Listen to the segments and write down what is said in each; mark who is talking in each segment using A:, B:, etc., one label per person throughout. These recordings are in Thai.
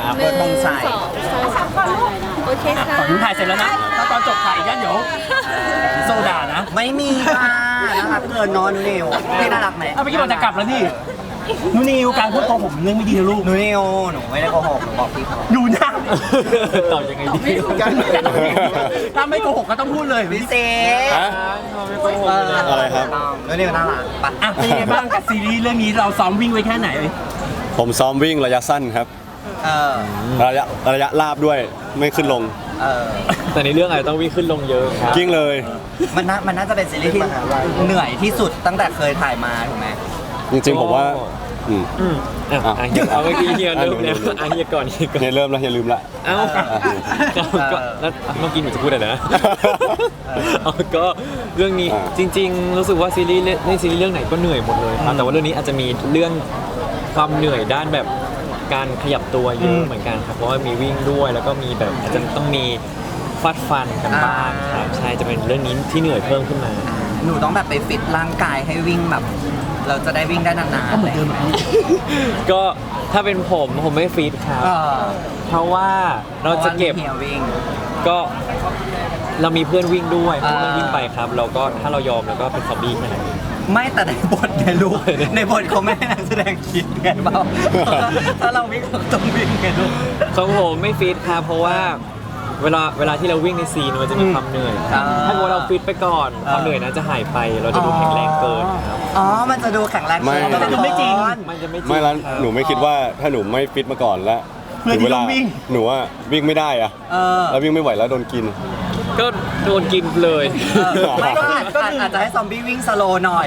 A: เปิดตรงใส่
B: โอเคค่ะ
C: ฝั่งนู้นถ่ายเสร็จแล้วนะถ้าตอนจบถ่ายอีกยันเดี๋ยวโซดานะ
A: ไม่มีค่ะน่ารักเกินนอนนิวพี่น่ารักไหม
C: เอาไปกี่วันจะกลับแล้วนี่นูนิวการพูดโกหกเรื่องไม่ดีนะลูก
A: นูนิวหนูไม่ได้โกหกหนูบอกพี่เขา
C: ดูนะ
D: ตอบยังไงดี
C: ถ้าไม่โกหกก็ต้องพูดเลย
A: พี่เซ
E: อะไรครับ
A: นูนิวน่ารักปะ
C: อ่ะเป็นยังไงบ้างกับซีรีส์เรื่องนี้เราซ้อมวิ่งไว้แค่ไหน
E: ผมซ้อมวิ่งระยะสั้นครับ
A: เออ
E: ระยะลาบด้วยไม่ขึ้นลง
A: เออ
D: แต่ในเรื่องอาจจะต้องวิ่งขึ้นลงเยอะครับ
E: กิ้งเลย
A: มันน่าจะเป็นซีรีส์ที่เหนื่อยที่สุดตั้งแต่เคยถ่ายมาถูกไหม
E: จริงๆผมว่า
D: เฮียเอาเมื่อกี้เฮียเริ่มแล้วเฮียก่อนเฮียก่อน
E: อย่าเริ่มแล้วอย่าลืมละ
D: เอ้าก็แล้วเมื่อกี้หนูจะพูดอะไรนะก็เรื่องนี้จริงๆรู้สึกว่าซีรีส์เรื่องไหนก็เหนื่อยหมดเลยครับแต่ว่าเรื่องนี้อาจจะมีเรื่องความเหนื่อยด้านแบบการขยับตัวเยอะเหมือนกันครับเพราะว่ามีวิ่งด้วยแล้วก็มีแบบอาจจะต้องมีฟาดฟันกันบ้างครับใช่จะเป็นเรื่องนี้ที่เหนื่อยเพิ่มขึ้นมา
A: หนูต้องแบบไปฟิตร่างกายให้วิ่งแบบ เราจะได้วิ่งได้นานๆ
C: ก็เหมือนเดิม
D: ก็ถ้าเป็นผมไม่ฟีดครับเพราะว่าเราจะเก็บ
A: เฮียวิ่ง
D: ก็เรามีเพื่อนวิ่งด้วยเพื่อนวิ่งไปครับเราก็ถ้าเรายอมแล้วก็เป็นซอมบี้แค่นั้นเอง
A: ไม่แต่ในบทในลูกในบทเขาไม่ให้นักแสดงคิดไงเปล่าถ้าเราวิ่งเราต้องวิ่งไงลูก
D: ของผมไม่ฟีดครับเพราะว่าเวลาที่เราวิ่งในซีนมันจะมีความเหนื่อยถ้าเราฟิตไปก่อนความเหนื่อยนั้นจะหายไปเราจะดูแข็งแรงเกินครับ
A: อ๋อมันจะดูแข็งแรง
C: มันจะดูไม่จริง
D: มันจะไม่จริง
E: ไม่แล้วหนูไม่คิดว่าถ้าหนูไม่ฟิตมาก่อนแล้วถึงเวลาหนูว่าวิ่งไม่ได้อะแล้ววิ่งไม่ไหวแล้วโดนกิน
D: ก็โดนกินเลย
A: ไม่ก็อาจจะให้ซอมบี้วิ่งสโลว์หน่อย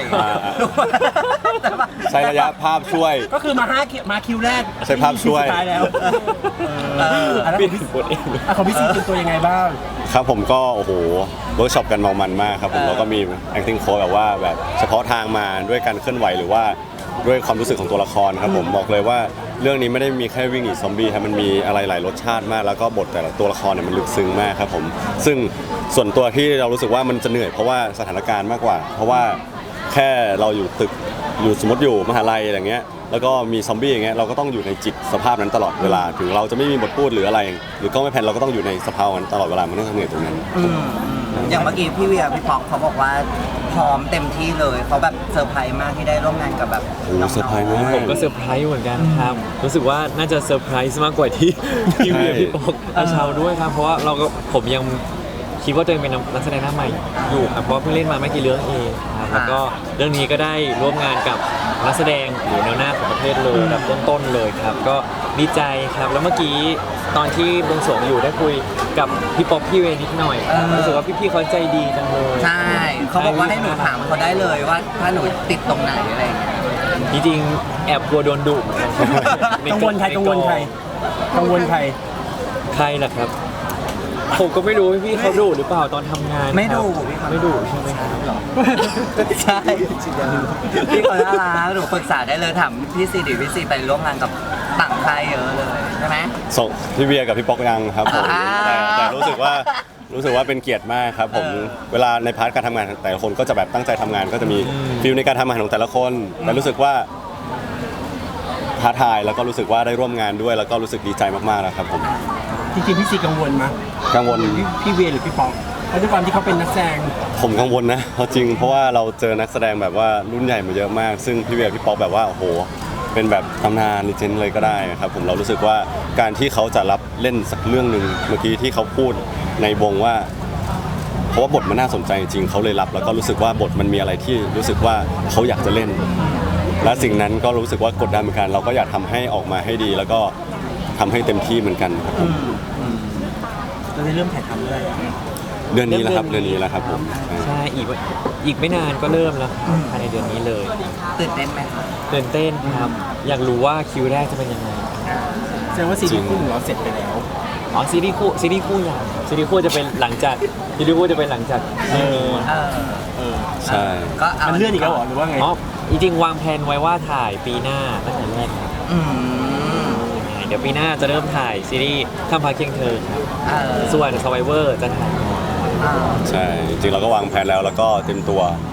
E: ใช้ระยะภาพช่วย
C: ก็คือมาคิวแรก
E: ใช้ภาพช่วย
C: สุดท้ายแล้วแล้ว
D: ปิดบทเอง
C: ของพี่ซีเป็นตัวยังไงบ้าง
E: ครับผมก็โอ้โหเวิร์กช็อปกันเมามันมากครับผมแล้วก็มี acting coach แบบว่าแบบเฉพาะทางมาด้วยการเคลื่อนไหวหรือว่าด้วยความรู้สึกของตัวละครครับผมบอกเลยว่าเรื่องนี้ไม่ได้มีแค่วิ่งหนีซอมบี้ครับมันมีอะไรหลายรสชาติมากแล้วก็บทแต่ละตัวละครเนี่ยมันลึกซึ้งมากครับผมซึ่งส่วนตัวที่เรารู้สึกว่ามันจะเหนื่อยเพราะว่าสถานการณ์มากกว่า เพราะว่าแค่เราอยู่ตึกอยู่สมมติอยู่มหาลัยอะไรเงี้ยแล้วก็มีซอมบี้อย่างเงี้ยเราก็ต้องอยู่ในจิตสภาพนั้นตลอดเวลาถึงเราจะไม่มีบทพูดหรืออะไรหรือก็ไม่แพนเราก็ต้องอยู่ในสภาพนั้นตลอดเวลามันต้องเหนื่อยตรงนั้น
A: อย่างเมื่อกี้พี่เวียพี่ป๊อกเขาบอกว่าพร้อมเต็มที่เลยเขาแบบเซอร์ไพรส์มากที่ได้ร่วมงานกับแบบ
E: โอ้เซอร์ไพรส์มาก
D: ผมก็เซอร์ไพรส์เหมือนกันครับรู้สึกว่าน่าจะเซอร์ไพรส์มากกว่าที่พี่เวียพี่ปอกอาชาวด้วยครับเพราะว่าผมยังคิดว่าตัวเองเป็นนักแสดงหน้าใหม่อยู่ครับเพราะเพิ่งเล่นมาไม่กี่เรื่องเองครับแล้วก็เรื่องนี้ก็ได้ร่วมงานกับนักแสดงอยู่แนวหน้าของประเทศเลยระดับต้นๆเลยครับก็ดีใจครับแล้วเมื่อกี้ตอนที่บวงสรวงอยู่ได้คุยกับพี่ป๊อปพี่เวนิดหน่อยรู้สึกว่าพี่ๆเขาใจดีจังเลย
A: ใช่เขาบอกว่าให้หนูถามเขาได้เลยว่าถ้าหนูติดตรงไหนอะไรอย่างเงี้ย
D: จริงๆแอบกลัวโดนดุเหมือนกัน
C: กังวลใครกังวลใครกังวลใคร
D: ใครล่ะครับผมก็ไม่รู้พี่เขาดุหรือเปล่าตอนทำงาน
A: ไม่ดุ
D: ไม่ดุใช่ไหมครับ
A: ใช่พี่เขาน่ารักหนูปรึกษาได้เลยถามพี่ซีดิพี่ซีไปร่วมงานกับต่างค่ายเยอะเลยใช่ไหม
E: ส่งพี่เบียร์กับพี่ป๊อกยังครับผม
A: อ่า
E: แต่รู้สึกว่าเป็นเกียรติมากครับผมเวลาในพาร์ทการทำงานแต่ละคนก็จะแบบตั้งใจทำงานก็จะมีฟีลในการทำงานของแต่ละคนแต่รู้สึกว่าท้าทายแล้วก็รู้สึกว่าได้ร่วมงานด้วยแล้วก็รู้สึกดีใจมากๆนะครับผม
C: จริงๆพี่ซีกังวลมั้ย
E: กังวล
C: พี่เวียหรือพี่ป๊อกเพราะด้วยความที่เขาเป็นนักแสดง
E: ผมกังวลนะเอาจริงเพราะว่าเราเจอนักแสดงแบบว่ารุ่นใหญ่มาเยอะมาก ซึ่งพี่เบียร์พี่ป๊อกแบบว่าโอ้โหเป็นแบบตำนานลีเจนด์เลยก็ได้นะครับผมเรารู้สึกว่าการที่เขาจะรับเล่นสักเรื่องหนึ่งเมื่อกี้ที่เขาพูดในวงว่าเพราะว่าบทมันน่าสนใจจริงเขาเลยรับแล้วก็รู้สึกว่าบทมันมีอะไรที่รู้สึกว่าเขาอยากจะเล่น และสิ่งนั้นก็รู้สึกว่ากดดันเหมือนกันเราก็อยากทำให้ออกมาให้ดี แล้วก็ทำให้เต็มที่เหมือนกันครับผม
C: เราได้เริ่มถ่ายทำด้วย
E: เดือนนี้แหละครับเดือนนี้แหละครับผม
D: ใช่อีกไม่นานก็เริ่มแล้วภายในเดือนนี้เลย
A: ตื่นเต้นไหมคะ
D: ตื่นเต้นครับอยากรู้ว่าคิวแรกจะเป็นยังไง
C: แสดงว่าซีรีส์คู่ของเราเสร็จไปแล้ว
D: อ๋อซีรีส์คู่อย่างซีรีส์คู่จะเป็นหลังจากเรื่องนี้
E: ใช่
A: ก็เอา
C: มันเลื่อนอีกแล้วเหรอหรือว่าไง
D: อ๋อจริงๆวางแผนไว้ว่าถ่ายปีหน้าตั้งแต่แรกครับ
A: อืม
D: เดี๋ยวปีหน้าจะเริ่มถ่ายซีรีส์ข้ามพาเคียงเธอครับส่วน Survivor จะถ่ายก่อน
E: ใช่จริงๆเราก็วางแผนแล้วก็เตรียมตัว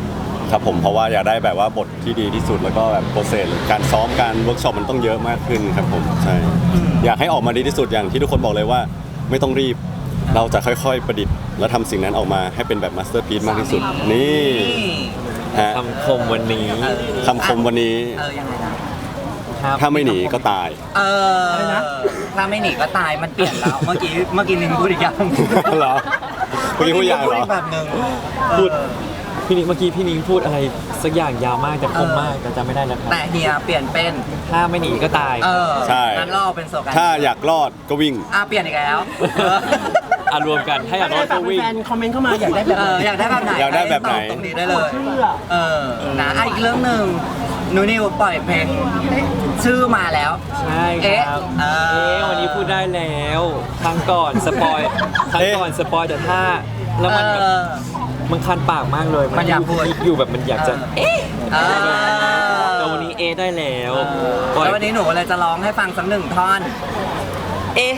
E: ครับผมเพราะว่าอยากได้แบบว่าบทที่ดีที่สุดแล้วก็แบบโปรเซสการซ้อมการเวิร์กช็อปมันต้องเยอะมากขึ้นครับผมใช่อยากให้ออกมาดีที่สุดอย่างที่ทุกคนบอกเลยว่าไม่ต้องรีบเราจะค่อยๆประดิษฐ์แล้วทำสิ่งนั้นออกมาให้เป็นแบบมาสเตอร์พีซมากที่สุดนี่ฮะ
D: คำคมวันนี้
E: คำคมวันนี้
A: ยังไงนะ
D: ครับ
E: ถ้าไม่หนีก็ตาย
A: ถ้าไม่หนีก็ตายมันเปลี่ยนแล้ว เมื่อกี้นิงพูดอีกอย่าง
E: เหรอเมื่อกี้พูดอย่างเหรอ
A: อีกแบบหนึ่ง
D: พูดพี่นิ้งเมื่อกี้พี่นิ้งพูดอะไรสักอย่างยาวมากแต่คมมากแต่จำไม่ได้แล้วครับ
A: แต่เฮียเปลี่ยนเป็น
D: ถ้าไม่หนีก็ตาย
E: ใช่
A: งั้นเราเอาเป็นโซกัน
E: ถ้าอยากรอดก็วิ่ง
A: เปลี่ยนอีกแล้ว
D: อ่ะรวมกันถ้าอยากรอดก็วิ่ง
C: แฟนคอมเมนต์เข้ามาอยากได้แบบไหน
A: อยากได้แบบไหน
E: อยากได้แบบไหน
A: ตรงนี้ได้เลยนะอีกเรื่องหนึ่งหนูนิวปล่อยเพลงชื่อมาแล้ว
D: ใช่ครับ
A: เอ๊ะ
D: วันนี้พูดได้แล้วครั้งก่อนสปอยครั้งก่อนสปอยแต่ถ้าแล้วมันแบบมันคันปากมากเลย
A: มันอยากพูด
D: อยู่แบบมันอยากจะ แต่
A: ว
D: วันนี้ได้แล้วปล่อย
A: แล้ววันนี้หนูเลยจะร้องให้ฟังสักหนึ่งท่อน
D: เอ๊ะ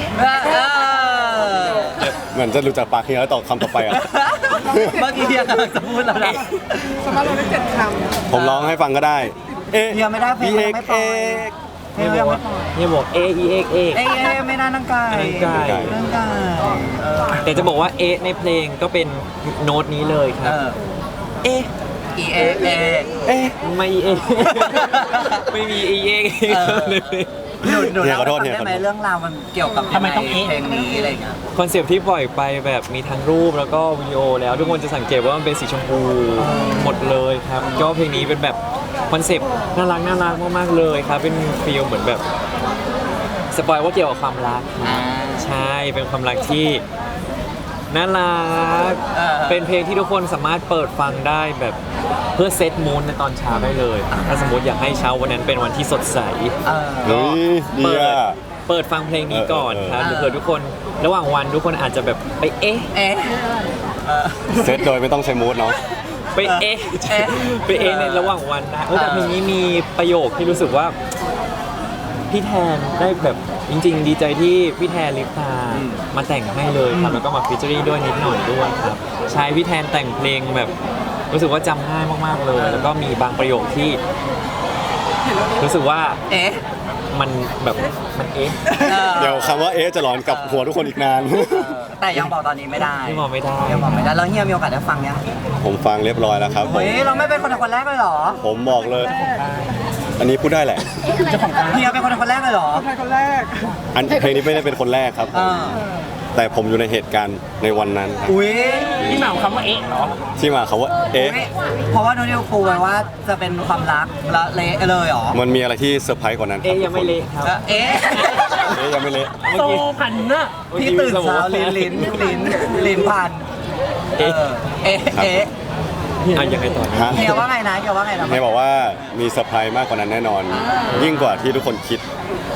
E: เหมือนจะรู้จักปากเฮียแล้วต่อคำต่อไปอ่ะ
A: เมื่อกี้เฮียกำลังจะพูดแล้วนะ
E: ผมร้องให้ฟังก็ได้ เอ๊ะ
A: เฮียไม่ได้เพลง
E: เอ็
A: ยัง
E: ก
A: ไม่ปล่อย เฮียยังไม่ปล่อย
D: เนี่ยบอกเอเอ็กเอ็ก
A: เอ้ยไม่น่านั่งไก่
D: นั่งไก่
A: นั่งไก่
D: แต่จะบอกว่าเอะในเพลงก็เป็นโน้ตนี้เลยครับ เอ๊ะ
A: E A A
E: เอ๊ะ
D: ไม่เอะ ไม่มีเอะ เลย
A: หนู
E: เฮีย
A: เล่า
E: ขอโทษ
A: ให้
E: เฮีย
A: ฟัง
E: ขอโทษ
A: ได้ไหมเรื่องราวมันเกี่ยวกับ
C: ทำไมต้องเอ๊ะ
A: เพลงนี้อะไรเงี้ย
D: คอนเซปต์ที่ปล่อยไปแบบมีทั้งรูปแล้วก็วิดีโอแล้วทุกคนจะสังเกตว่ามันเป็นสีชมพูหมดเลยครับก็เพลงนี้เป็นแบบคอนเซปต์น่ารักมากๆเลยครับเป็นฟีลเหมือนแบบสปอยว่าเกี่ยวกับความรักครับใช่เป็นความรักที่น่ารักเป็นเพลงที่ทุกคนสามารถเปิดฟังได้แบบเพื่อเซตมูนในตอนเช้าได้เลยถ้าสมมติอยากให้เช้าวันนั้นเป็นวันที่สดใส
E: เฮ้ยดี
D: เปิด
E: อ่ะ
D: เปิดฟังเพลงนี้ก่อนครับหรือเผื่อทุกคนระหว่างวันทุกคนอาจจะแบบไปเอ๊ะ
A: เอ๊ะ
E: เซตโดยไม่ต้องใช้มูดเนาะ
D: ไปเอ๊ะ
A: เอ๊ะ
D: ไปเอ๊ะในระหว่างวันนะแต่เพลงนี้มีประโยคที่รู้สึกว่าพี่แทนได้แบบจริงๆ ดีใจที่พี่แทนลิปตามาแต่งให้เลยครับแล้วก็มาฟีเจอริ่งด้วยนิดหน่อยด้วยครับใช้พี่แทนแต่งเพลงแบบรู้สึกว่าจำง่ายมากๆเลย แล้วก็มีบางประโยคที่รู้สึกว่า
A: เอ๊ะ
D: มันแบบมันเอ๊ะ
E: เดี๋ยวคำว่าเอ๊ะจะหลอนกับหัวทุกคนอีกนาน
A: แต่ยังบอกตอนนี้ไม่ได้
D: ที่บอกไม่ได้
A: ยังบอกไม่ได้แล้วเฮียมีโอกาสได้ฟังยัง
E: ผมฟังเรียบร้อยแล้วครับผม
A: เฮ้ยเราไม่เป็นคนแรกเลยเหรอ
E: ผมบอกเลย อันนี้พูดได้แหละ
A: เฮียเป็นคนแรกเลยเหรอ
E: อันเพลงนี้ไม่ได้เป็นคนแรกครับผมแต่ผมอยู่ในเหตุการณ์ในวันนั้นครับ
A: อุ้ย
C: ที่มาของคำว่าเอ๊ะเหรอ
E: ที่มาเขาว่าเอ๊ะ
A: เพราะว่าโนนิวปูไว้ว่าจะเป็นความรักและเละเลยเหรอ
E: มันมีอะไรที่เซอร์ไพรส์กว่านั้นครั
D: เอ๊ะ
E: บ
D: ยังไม่เละครับ
A: เอ๊ะ
E: เอ๊ะยังไม่เละ
C: โซพันน่ะ
A: พี่ตื่นเช้าลิ้นพัน
D: เอ๊ะ
A: เอ๊ะเอ๊ะ
D: ยังไงต่อ
E: ฮะ
A: เฮียว่าไงนะเฮียว่าไงนะ
E: เฮียบอกว่ามีเซอร์ไพรส์มากกว่านั้นแน่นอน ยิ่งกว่าที่ทุกคนคิด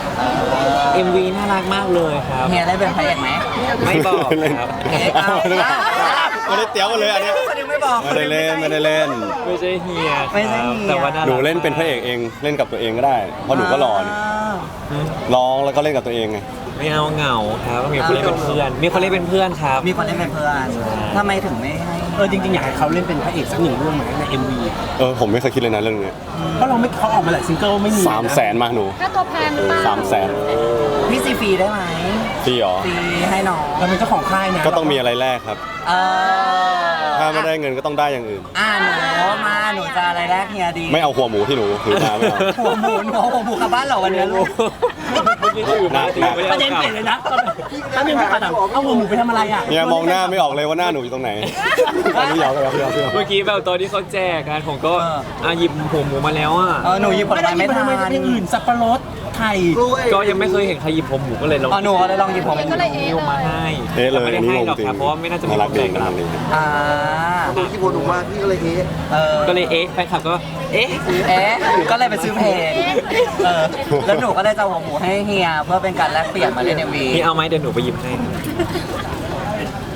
D: MV น่ารักมากเลยครับ
A: เฮียได้เป็นพระเอกไหม
D: ไม่บอกครับ
A: เอ๊ะเอา
E: ไม่ได้เตี้ยวกันเลยอันเนี้ย
A: คนยังไม่บอก
E: ไม่ได้เล่นไม่ได้เล่น
D: ไม่ใช่เฮียครับ
A: ไม่ใช่เฮีย
D: แต่ว่าน่ารัก
E: หนูเล่นเป็นพระเอกเองเล่นกับตัวเองก็ได้เพราะหนูก็หล่อนี่ร้องแล้วก็เล่นกับตัวเองไง
D: ไม่เอาเหงาครับมีคนเล่นเป็นเพื่อน มีคนเล่นเป็นเพื่อนครับ
A: มีคนเล่นเป็นเพื่อนทำไมถึงไม่ให้
C: จริงๆอยากให้เขาเล่นเป็นพระเอกสักหนึ่งเรื่องไหมใน MV
E: ผมไม่เคยคิดเลยนะเรื่องนี้
C: เพราะเราไม่เขาออกมาหลายซิงเกิลไม่มี
E: 300,000มาหนู
B: ค่าตัวแพงหรือเปล่า
E: 300,000
A: พี่ซีฟรีได้ไหม
E: พี่หรอ
A: ฟรีให้น้อง
C: เราเป็นเจ้าของค่ายนะ
E: ก็ต้องมีอะไรแลกครับ
A: เออ
E: ถ้าไม่ได้เงินก็ต้องได้อย่างอื่น
A: หนูจะอะไรแรกเฮียดี
E: ไม่เอาหัวหมูที่หนูถือมาไม่เอา
A: หัวหมูกลับบ้านเหรอวันนี้ลูก
D: เมื่อกี้ที่อยู่
E: หนัก
C: ประเด็นเปลี่ยนเลยนะถ้าเป็นผู้ขัดเอาหัวหมูไปทำอะไรอ่ะ
E: เนี่ยมองหน้าไม่ออกเลยว่าหน้าหนูอยู่ตรงไหนอันนี้หยอกหยอก
D: เมื่อกี้แบบตอนที่เขาแจกกันผมก็หยิบหัวหมูมาแล้วอ่ะ
A: หนูหยิบผล
C: ไม่ได้
A: ไม้
C: ยิน
A: ไม่
C: ไป
A: ทั
C: ทำไม
A: น
C: อย่างอื่นสับปะรดไข่
D: ก็ยังไม่เคยเห็นใครหยิบหัวหมูก็เลยลอง
A: หนูก็เลยลองหยิบผม
B: ก็เลยเอ๊ะ
D: นิ้วมาให้
E: เอ๊ะเลย
D: ไม่
E: อั
D: ได้
E: นนี้
D: ให้
E: งง
D: หรอก
E: จริง
D: ครับเพราะว่าไม่น่าจะมี
E: น่ารัก
D: คน
E: ดี
D: แบ่ง
E: น่า
D: กั
E: รั
D: น
E: กดี
F: ที่พูดถูกว่าพี่ก็เลยเฮ้
D: ก็เลยแฟนคลับก็เอ๊ะ
A: ก็เลยไปซื้อเพลงแล้วหนูก็ได้จะเอาหัวหมูให้เฮียเพื่อเป็นการแลกเปลี่ยนมาเล่น MV
D: นี่เอาไหมเดี๋ยวหนูไปหยิบให้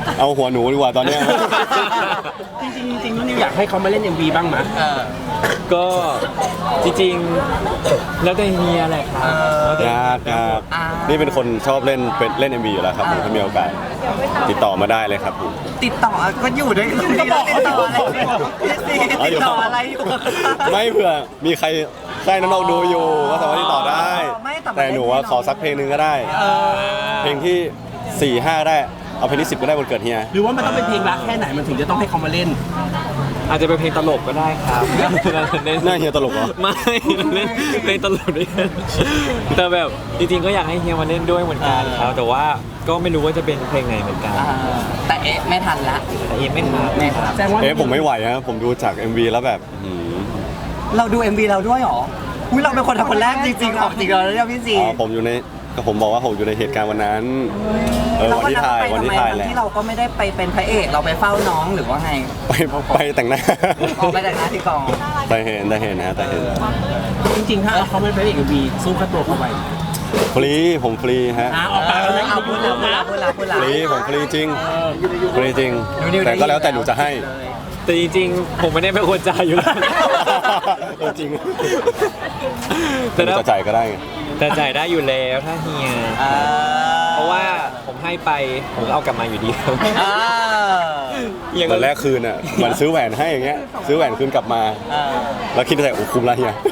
E: เอาหัวหนูดีกว่าตอนเนี้ย
C: จริงๆนุ่นนิวอยากให้เขามาเล่น MV บ้างไหม
D: ก็จริงๆแล้วแต่เฮียแหละครับแล้วแต่
E: ยากนี่เป็นคนชอบเล่น MV อยู่แล้วครับผมถ้ามีโอกาสติดต่อมาได้เลยครับผม
A: ติดต่อก็อยู่ด้วยกันติดต่ออะไรพี่ซีติดต่ออะไรอยู่
E: ไม่เผื่อมีใครน้องๆดูอยู่ก็สามารถติดต่อได้
A: ไม่แต่
E: แต่หนูว่าขอสักเพลงหนึ่งก็ได้ เพลงที่ 4-5 ได้เอาเพลงที่ 10 ก็ได้วันเกิดเฮีย
C: หรือว่ามันต้องเป็นเพลงรักแค่ไหนมันถึงจะต้องให้เขามาเล่น
D: อาจจะเป็นเพลงตลกก็ได้ครับเล่น
E: หน้าเฮียตลกเหรอ
D: ไม่เล่นเพลงตลกด้วยกันแต่แบบจริงๆก็อยากให้เฮียมาเล่นด้วยเหมือนกันครับแต่ว่าก็ไม่รู้ว่าจะเป็นเพลงไหนเหมือนกัน
A: แต่ไม่ทันละ
D: แต่เอ็มไม่ทัน
A: ไม่ทัน
C: แสดงว่า
E: ผมไม่ไหวนะผมดูจาก MV แล้วแบบ
A: เราดู MV เราด้วยเหรออุ้ยเราเป็นคนทำคนแรกจริงๆออกจริงเลยเนี่ยพี่ซี
E: ผมบอกว่าผมอยู่ในเหตุการณ์วันนั้นวันที่ถ่ายแหละ
A: ที่เราก็ไม่ได้ไปเป็นพระเอกเราไปเฝ้าน้องหรือว่าไง
E: ไปแต่งหน้า
A: ออกไปแต่งหน้าที่กอง
E: แต่เห็นนะแต่เห็น
C: จริงๆถ้าเขาไม่เป็นเอก MV สู้ค่าตัวเขาไป
E: ผมฟรีฮะ
C: ออกปากกันนะ
A: เอาพูดละ
E: ฟรีผมฟรีจริงฟรีจริง แต่ก็แล้วแต่หนูจะให้
D: แต่จริงๆผมไม่ได้เป็นคนจ่ายอยู่แล้ว
E: จริง
D: แต่
E: แต่
D: ถ้า
E: จะจ่ายก็ได้ไง
D: แต่จ่ายได้อยู่แล้วถ้าเฮียเพราะว่าผมให้ไปผมก็เอากลับมาอยู่ดีครับเฮีย
E: ต
D: ก็
E: อนแรกคืนอ่ะเหมือนซื้อแหวนให้อย่างเงี้ยซื้อแหวนคืนกลับมา แล้วคิดในใจโอ้คุ้มละเฮีย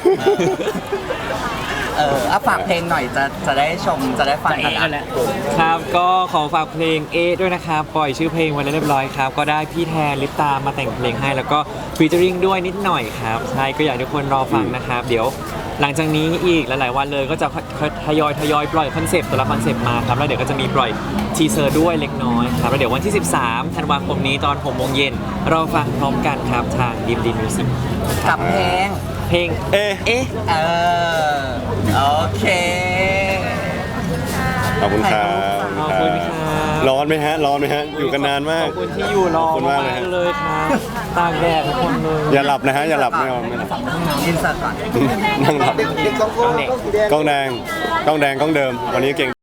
A: ฝากเพลงหน่อยจะได้ชมจะได้ฟังกัน
C: แหละ
D: ครับก็ขอฝากเพลงเอด้วยนะครับปล่อยชื่อเพลงไว้แล้วเรียบร้อยครับก็ได้พี่แทนลิปตามาแต่งเพลงให้แล้วก็ฟีเจอริงด้วยนิดหน่อยครับใช่ก็อยากให้ทุกคนรอฟังนะครับเดี๋ยวหลังจากนี้อีกหลายๆวันเลยก็จะทยอยปล่อยคอนเซปต์แต่ละคอนเซปต์มาครับแล้วเดี๋ยวก็จะมีปล่อยทีเซอร์ด้วยเล็กน้อยครับแล้วเดี๋ยววันที่ 13 ธันวาคมนี้ตอน 6 โมงเย็นรอฟังพร้อมกันครับทางดิมมิวสิก
A: กับเพลง
E: เอ๊ะ
A: โอเค
E: ขอบคุณครับ
D: ขอบคุณครับ
E: ร้อนไหมฮะอยู่กันนานมาก
D: ขอบคุณที่อยู่รอ
E: ขอบคุณมากเลย
D: มาก
E: ฮะ
D: ๆเลยครับตากแดดทุกคนเลย
E: อย่าหลับนะฮะอย่าหลับไม่เอาไม่หลับ
A: อินเสิร์ตก่อน
E: นั่งหลับ
F: เด็กๆกล้องสีแดง
E: กล้องแดงกล้องเดิมวันนี้เก่ง